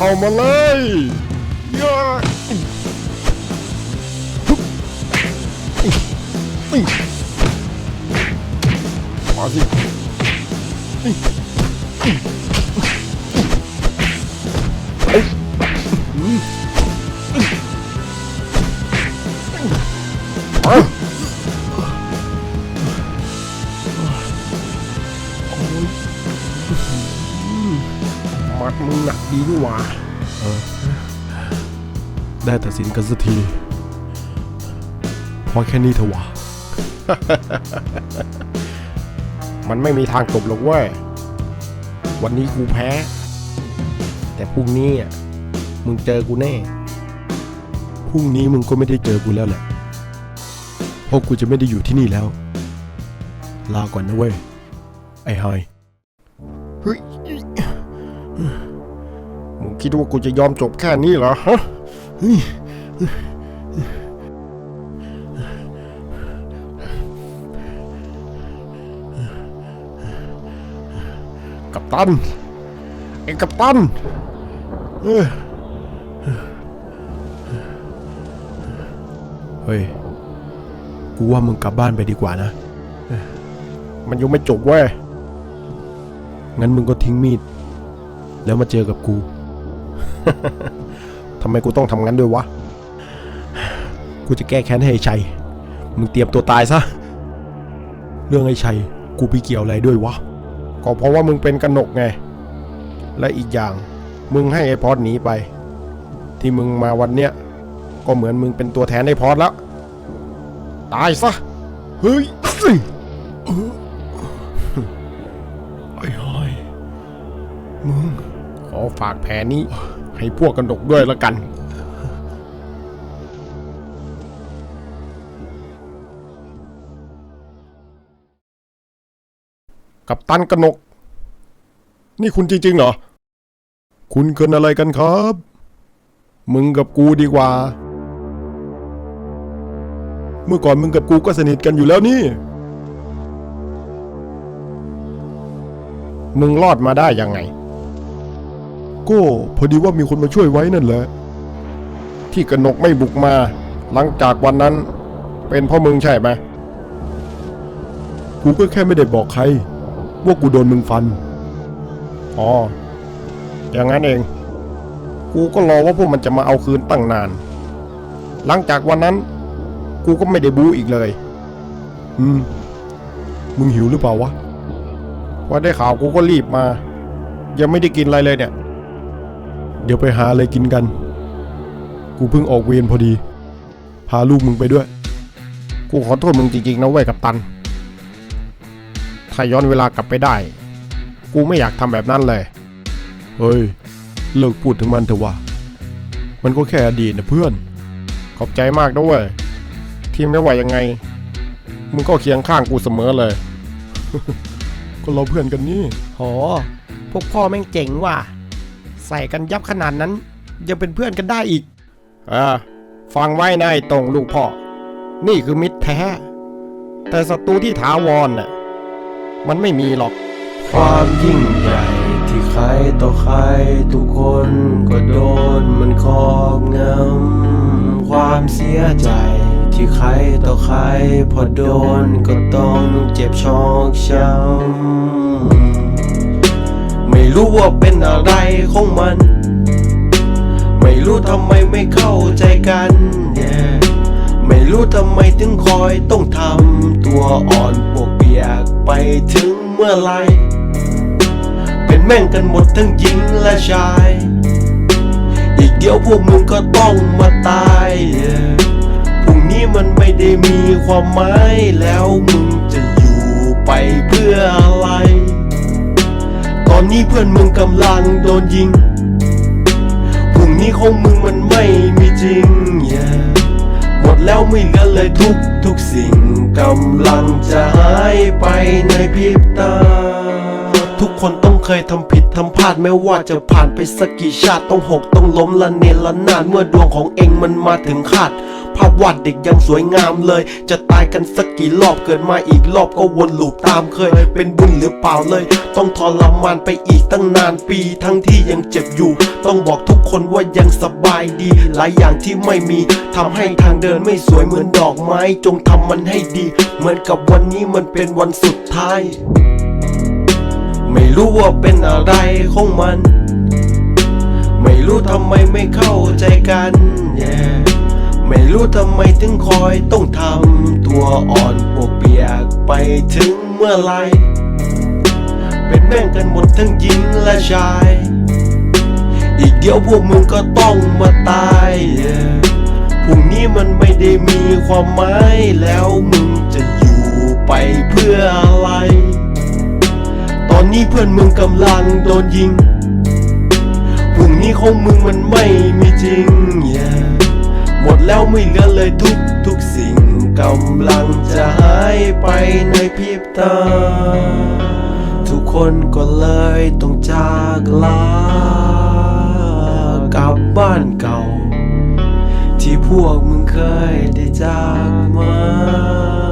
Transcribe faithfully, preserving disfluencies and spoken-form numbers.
เข้ามาเลยย่ามาสิมัดมึงหนักดีนี่หว่าได้ตัดสินกันสักทีพอแค่นี้เถอะวะ มันไม่มีทางจบหรอกเว้ยวันนี้กูแพ้แต่พรุ่งนี้อ่ะมึงเจอกูแน่พรุ่งนี้มึงก็ไม่ได้เจอกูแล้วแหละเพราะกูจะไม่ได้อยู่ที่นี่แล้วลาก่อนนะเว้ยไอ้ไฮเฮ้ยมึงคิดว่ากูจะยอมจบแค่นี้เหรอฮะกัปตันไอ้กัปตันเฮ้ยกูว่ามึงกลับบ้านไปดีกว่านะมันยังไม่จบเว้ยงั้นมึงก็ทิ้งมีดแล้วมาเจอกับกู ทำไมกูต้องทำงั้นด้วยวะกูจะแก้แค้นให้ไอ้ชัยมึงเตรียมตัวตายซะเรื่องไอ้ชัยกูไปเกี่ยวอะไรด้วยวะก็เพราะว่ามึงเป็นกนกไงและอีกอย่างมึงให้ไอ้พอดหนีไปที่มึงมาวันเนี้ยก็เหมือนมึงเป็นตัวแทนไอ้พอดแล้วตายซะเฮ้ยไอ้หอยมึงขอฝากแผนนี้ให้พวกกนกด้วยละกันกัปตันกนกนี่คุณจริงๆเหรอคุณเกินอะไรกันครับมึงกับกูดีกว่าเมื่อก่อนมึงกับกูก็สนิทกันอยู่แล้วนี่มึงรอดมาได้ยังไงก็พอดีว่ามีคนมาช่วยไว้นั่นแหละที่กนกไม่บุกมาหลังจากวันนั้นเป็นเพราะมึงใช่ไหมกูก็แค่ไม่ได้บอกใครว่ากูโดนมึงฟันอ๋ออย่างนั้นเองกูก็รอว่าพวกมันจะมาเอาคืนตั้งนานหลังจากวันนั้นกูก็ไม่ได้บู๊อีกเลยอืมมึงหิวหรือเปล่าวะว่าได้ข่าวกูก็รีบมายังไม่ได้กินอะไรเลยเนี่ยเดี๋ยวไปหาอะไรกินกันกูเพิ่งออกเวรพอดีพาลูกมึงไปด้วยกูขอโทษมึงจริงๆนะเว้ยกัปตันถ้าย้อนเวลากลับไปได้กูไม่อยากทำแบบนั้นเลยเฮ้ยเลิกพูดถึงมันเถอะวะมันก็แค่อดีตนะเพื่อนขอบใจมากด้วยที่ไม่ว่ายังไงมึงก็เคียงข้างกูเสมอเลย ก็เราเพื่อนกันนี่โหพวกพ่อแม่งเจ๋งว่ะใส่กันยับขนาดนั้นยังเป็นเพื่อนกันได้อีกอ่าฟังไว้นายตรงลูกพ่อนี่คือมิตรแท้แต่ศัตรูที่ถาวรน่ะมันไม่มีหรอกความยิ่งใหญ่ที่ใครต่อใครทุกคนก็โดนมันครอบงำความเสียใจที่ใครต่อใครพอโดนก็ต้องเจ็บชอกช้ำไม่รู้ว่าเป็นอะไรของมันไม่รู้ทำไมไม่เข้าใจกัน yeah. ไม่รู้ทำไมถึงคอยต้องทำตัวอ่อนปวกเปียกไปถึงเมื่อไรเป็นแม่งกันหมดทั้งหญิงและชายอีกเดี๋ยวพวกมึงก็ต้องมาตาย yeah. พรุ่งนี้มันไม่ได้มีความหมายแล้วมึงจะอยู่ไปเพื่ออะไรตอนนี้เพื่อนมึงกำลังโดนยิงพรุ่งนี้ของมึงมันไม่มีจริง yeah. หมดแล้วไม่เหลือเลยทุกทุกสิ่งกำลังจะหายไปในพริบตาทุกคนต้องเคยทำผิดทำพลาดไม่ว่าจะผ่านไปสักกี่ชาติต้องหกต้องล้มละเนระนาดเมื่อดวงของเองมันมาถึงคาดภาพวาดเด็กยังสวยงามเลยจะตายกันสักกี่รอบเกิดมาอีกรอบก็วนลูปตามเคย เป็นบุญหรือเปล่าเลย ต้องทรมานไปอีกตั้งนานปี ทั้งที่ยังเจ็บอยู่ ต้องบอกทุกคนว่ายังสบายดี หลายอย่างที่ไม่มีทำให้ทางเดินไม่สวยเหมือนดอกไม้ จงทำมันให้ดี เหมือนกับวันนี้มันเป็นวันสุดท้าย ไม่รู้ว่าเป็นอะไรของมัน ไม่รู้ทำไมไม่เข้าใจกัน yeah. ไม่รู้ทำไมถึงคอยต้องทำตัวอ่อนปวกเปียกไปถึงเมื่อไรเป็นแม่งกันหมดทั้งหญิงและชาย อีกเดียวพวกมึงก็ต้องมาตาย yeah. พรุ่งนี้มันไม่ได้มีความหมายแล้วมึงจะอยู่ไปเพื่ออะไร ตอนนี้เพื่อนมึงกำลังโดนยิงพรุ่งนี้ของมึงมันไม่มีจริง yeah. หมดแล้วไม่เหลือเลยทุกทุกสิ่งกำลังจะหายไปในพริบตา ทุกคนก็เลยต้องจากลากลับบ้านเก่า ที่พวกมึงเคยได้จากมา